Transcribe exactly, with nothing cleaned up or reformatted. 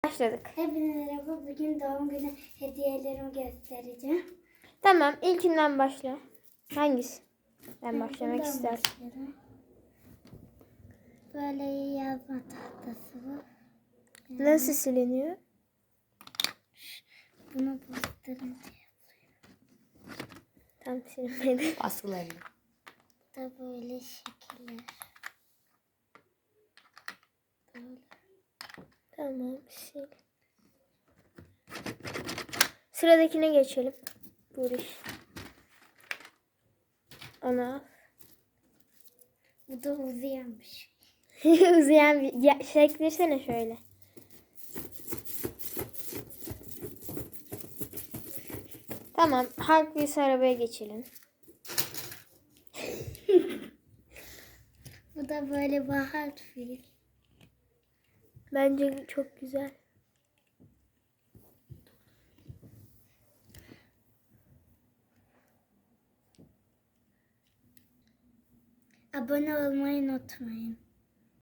Başladık. Hepinize merhaba. Bugün doğum günü hediyelerimi göstereceğim. Tamam, ilkinden başla. Hangisi? Ben başlamak Bundan isterim. başlayalım. Böyle yazma tahtası bu. Yani Nasıl siliniyor? bunu bastırınca Tam silinmedi. Baskılarını. da böyle şekiller. Böyle. Tamam, sil. Sıradakine geçelim. Buriş. Ana. Bu da uzayanmış. Uzayan bir... Ya, şeklersene şöyle. Tamam, Hot Wheels arabaya geçelim. Bu da böyle bahar fil. Bence çok güzel. Abone olmayı unutmayın.